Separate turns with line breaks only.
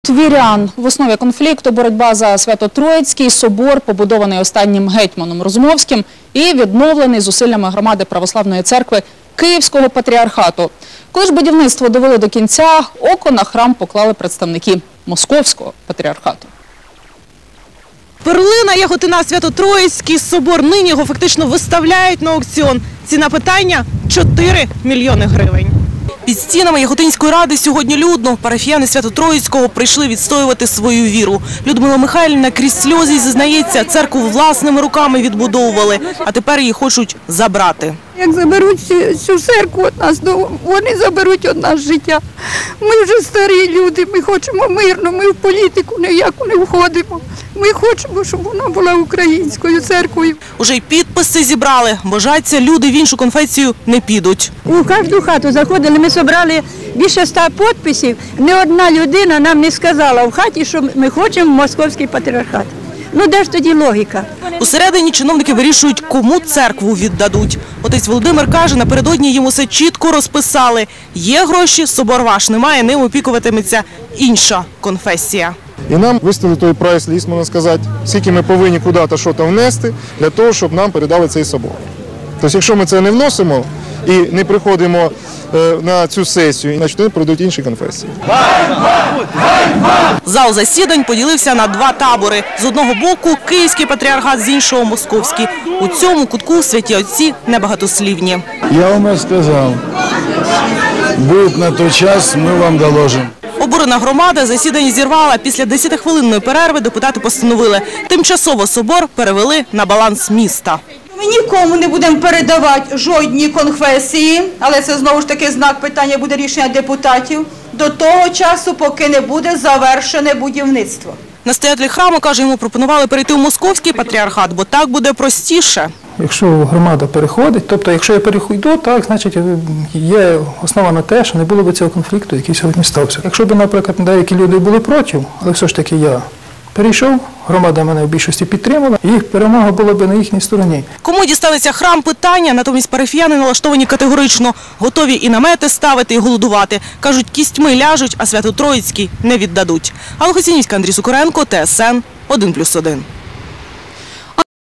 Вірян. В основі конфлікту боротьба за Свято-Троїцький собор, побудований останнім гетьманом Розумовським і відновлений зусиллями громади Православної церкви Київського патріархату. Коли ж будівництво довели до кінця, око на храм поклали представники Московського патріархату.
Перлина, яготина, Свято-Троїцький собор. Нині його фактично виставляють на аукціон. Ціна питання – 4 мільйони гривень. Під стінами Яготинської ради сьогодні людно. Парафіяни Свято-Троїцького прийшли відстоювати свою віру. Людмила Михайлівна крізь сльози зізнається, церкву власними руками відбудовували, а тепер її хочуть забрати.
Як заберуть цю церкву від нас, вони заберуть від нас життя. Ми вже старі люди, ми хочемо мирно, ми в політику ніяку не входимо. Ми хочемо, щоб вона була українською церквою.
Уже й підписи зібрали. Божаться, люди в іншу конфесію не підуть.
У кожну хату заходили, ми зібрали більше 100 підписів. Ні одна людина нам не сказала в хаті, що ми хочемо Московський патріархат. Ну де ж тоді логіка?
Усередині чиновники вирішують, кому церкву віддадуть. Отець Володимир каже, напередодні їм усе чітко розписали. Є гроші, собор ваш немає, ним опікуватиметься інша конфесія.
І нам виставили той прайс-ліст, можна сказати, скільки ми повинні куди-то щось внести, для того, щоб нам передали цей собор. Тобто, якщо ми це не вносимо і не приходимо на цю сесію, значить вони пройдуть інші конфесії.
Зал засідань поділився на два табори. З одного боку – Київський патріархат, з іншого – Московський. У цьому кутку святі отці небагатослівні.
Я вам сказав, буде на той час, ми вам доложимо.
Обурена громада засідання зірвала. Після 10-хвилинної перерви депутати постановили. Тимчасово собор перевели на баланс міста.
Ми нікому не будемо передавати жодні конфесії, але це знову ж таки знак питання, буде рішення депутатів, до того часу, поки не буде завершене будівництво.
Настоятель храму, каже, йому пропонували перейти у Московський патріархат, бо так буде простіше.
Якщо громада переходить, тобто якщо я перейду, так, значить є основа на те, що не було б цього конфлікту, який сьогодні стався. Якщо б, наприклад, деякі люди були проти, але все ж таки я перейшов, громада мене в більшості підтримала, і їх перемога була б на їхній стороні.
Кому дістанеться храм – питання, натомість парафіяни налаштовані категорично. Готові і намети ставити, і голодувати. Кажуть, кістьми ляжуть, а Свято-Троїцький не віддадуть. Алла Хоцінівська, Андрій Сукоренко, ТСН 1+1.